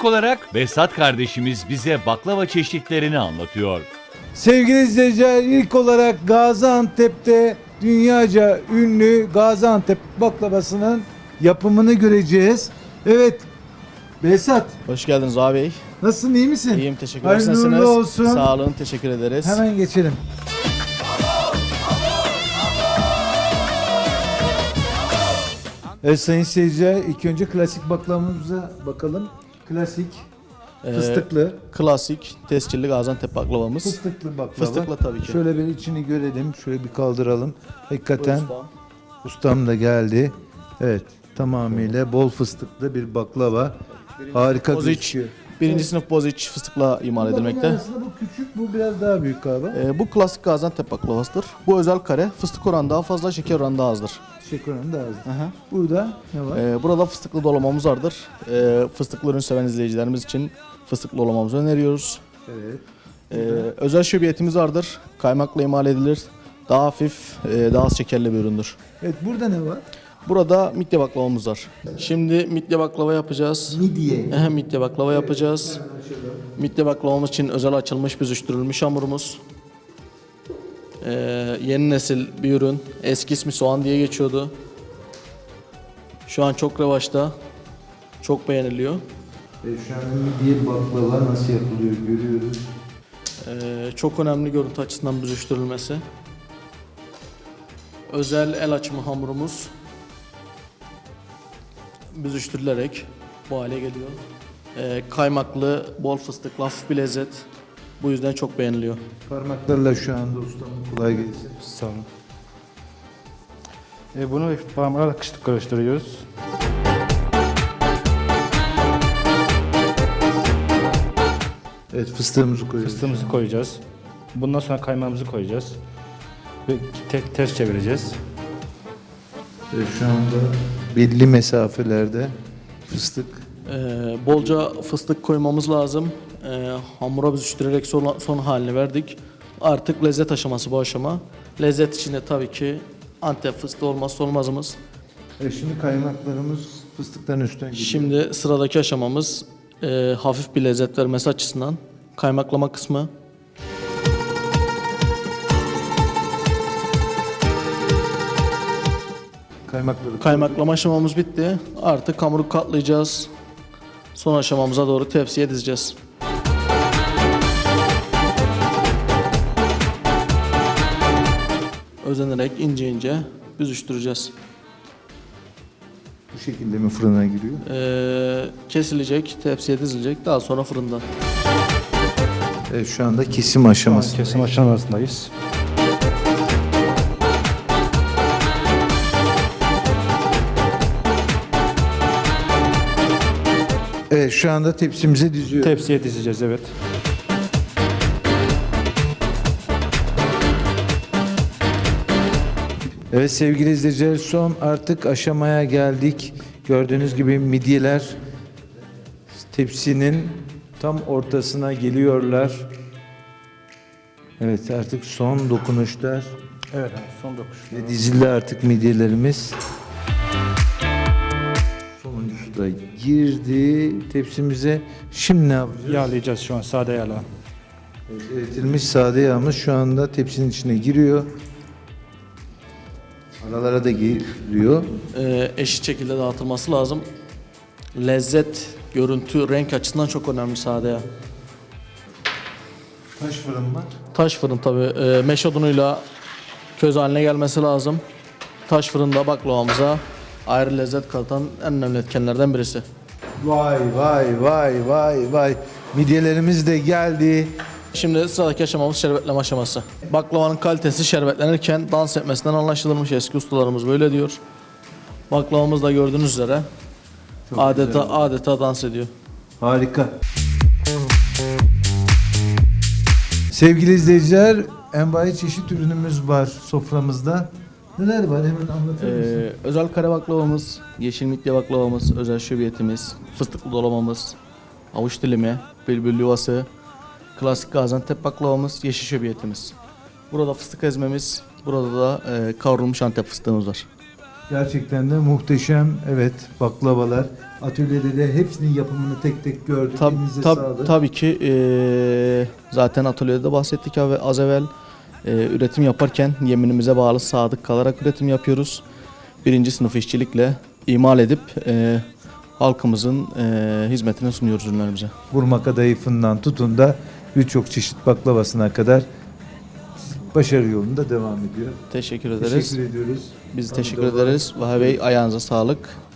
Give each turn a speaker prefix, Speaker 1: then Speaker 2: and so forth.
Speaker 1: İlk olarak Behzat kardeşimiz bize baklava çeşitlerini anlatıyor.
Speaker 2: Sevgili izleyiciler, ilk olarak Gaziantep'te dünyaca ünlü Gaziantep baklavasının yapımını göreceğiz. Evet, Behzat,
Speaker 3: Hoş geldiniz abi Bey.
Speaker 2: nasılsın, iyi misin?
Speaker 3: İyiyim, teşekkür ederiz.
Speaker 2: Hayırlı
Speaker 3: Nasılsınız?
Speaker 2: uğurlu olsun.
Speaker 3: Sağ olun, teşekkür ederiz.
Speaker 2: Hemen geçelim. Evet sayın seyirciler, ilk önce klasik baklavamıza bakalım. Klasik, fıstıklı.
Speaker 3: Klasik, tescilli Gaziantep baklavamız.
Speaker 2: Fıstıklı baklava.
Speaker 3: Fıstıklı tabii ki.
Speaker 2: Şöyle bir içini görelim. Şöyle bir kaldıralım. Hakikaten
Speaker 3: Ustam.
Speaker 2: ustam da geldi. Evet. Tamamıyla bol fıstıklı bir baklava. Harika
Speaker 3: Boziç.
Speaker 2: gözüküyor.
Speaker 3: Birinci sınıf boziç fıstıkla imal edilmekte.
Speaker 2: Aslında bu küçük, bu biraz daha büyük galiba.
Speaker 3: Bu klasik Gaziantep baklavasıdır. Bu özel kare, fıstık oranı daha fazla, şeker oranı daha azdır.
Speaker 2: Şeker oranı daha az.
Speaker 3: Aha.
Speaker 2: Burada ne var?
Speaker 3: Burada fıstıklı dolmamız vardır. Fıstıklı ürün seven izleyicilerimiz için fıstıklı dolmamızı öneriyoruz.
Speaker 2: Evet.
Speaker 3: Özel şöbiyetimiz vardır. Kaymakla imal edilir. Daha hafif, daha az şekerli bir üründür.
Speaker 2: Evet, burada ne var?
Speaker 3: Burada midye baklavamız var. Şimdi midye baklava yapacağız.
Speaker 2: Midye.
Speaker 3: Midye baklava yapacağız. Midye baklavamız için özel açılmış büzüştürülmüş hamurumuz. Yeni nesil bir ürün. Eski ismi soğan diye geçiyordu. Şu an çok revaçta. Çok beğeniliyor.
Speaker 2: Şu an midye baklava nasıl yapılıyor görüyoruz.
Speaker 3: Çok önemli görüntü açısından büzüştürülmesi. Özel el açımı hamurumuz büzüştürülerek bu hale geliyor. Kaymaklı, bol fıstıklı, hafif bir lezzet. Bu yüzden çok beğeniliyor.
Speaker 2: Parmaklarla şu anda ustam, kolay gelsin.
Speaker 4: Sağ olun. Bunu parmakla karıştırıyoruz.
Speaker 2: Evet, fıstığımızı koyuyoruz.
Speaker 4: Fıstığımızı koyacağız. Bundan sonra kaymağımızı koyacağız. Ve ters çevireceğiz.
Speaker 2: Şu anda belli mesafelerde fıstık.
Speaker 3: Bolca fıstık koymamız lazım. Hamura büzüştürerek son halini verdik. Artık lezzet aşaması bu aşama. Lezzet içinde tabii ki Antep fıstığı olmazsa olmazımız.
Speaker 2: Şimdi kaymaklarımız fıstıkların üstüne gidiyor.
Speaker 3: Şimdi sıradaki aşamamız hafif bir lezzet vermesi açısından kaymaklama kısmı. Kaymaklama aşamamız bitti. Artık hamuru katlayacağız. Son aşamamıza doğru tepsiye dizeceğiz. Özenerek ince ince büzüştüreceğiz.
Speaker 2: Bu şekilde mi fırına giriyor?
Speaker 3: Kesilecek, tepsiye dizilecek, daha sonra fırında.
Speaker 2: Evet, şu anda kesim aşaması.
Speaker 4: Kesim aşamasındayız.
Speaker 2: Evet, şu anda tepsimize diziyor.
Speaker 4: Tepsiye dizeceğiz, evet.
Speaker 2: Evet sevgili izleyiciler, son artık aşamaya geldik. Gördüğünüz gibi midyeler tepsinin tam ortasına geliyorlar. Evet, artık son dokunuşlar
Speaker 4: Evet, son dokuş.
Speaker 2: ve dizildi artık midyelerimiz. Sonuncusu da girdi tepsimize. Şimdi ne yapacağız?
Speaker 4: Yağlayacağız şu an, sade yağla.
Speaker 2: Eritilmiş sade yağımız şu anda tepsinin içine giriyor. Aralara da giriyor.
Speaker 3: Eşit şekilde dağıtılması lazım. Lezzet, görüntü, renk açısından çok önemli sade yağ.
Speaker 2: Taş fırın mı?
Speaker 3: Taş fırın tabii. Meş odunuyla köz haline gelmesi lazım. Taş fırında baklavamıza ayrı lezzet katan en önemli etkenlerden birisi.
Speaker 2: Vay vay vay vay vay. Midyelerimiz de geldi.
Speaker 3: Şimdi sıradaki aşamamız şerbetleme aşaması. Baklavanın kalitesi şerbetlenirken dans etmesinden anlaşılırmış. Eski ustalarımız böyle diyor. Baklavamız da gördüğünüz üzere adeta dans ediyor.
Speaker 2: Harika. Sevgili izleyiciler, envai çeşit ürünümüz var soframızda. Neler var, hemen anlatır mısın?
Speaker 3: Özel kare baklavamız, yeşil midye baklavamız, özel şöbiyetimiz, fıstıklı dolmamız, avuç dilimi, bülbül yuvası, klasik Gaziantep baklavamız, yeşil şöbiyetimiz. Burada fıstık ezmemiz, burada da kavrulmuş Antep fıstığımız var.
Speaker 2: Gerçekten de muhteşem. Evet, baklavalar. Atölyede de hepsinin yapımını tek tek gördük. Elinize sağlık.
Speaker 3: Tabii ki zaten atölyede de bahsettik az evvel. Üretim yaparken yeminimize bağlı sadık kalarak üretim yapıyoruz. Birinci sınıf işçilikle imal edip halkımızın hizmetine sunuyoruz ürünlerimize.
Speaker 2: Burma kadayıfından tutun da birçok çeşit baklavasına kadar başarı yolunda devam ediyor.
Speaker 3: Teşekkür ederiz.
Speaker 2: Teşekkür ediyoruz.
Speaker 3: Biz
Speaker 2: Sağ
Speaker 3: teşekkür
Speaker 2: olun.
Speaker 3: ederiz. Vahe Bey ayağınıza sağlık.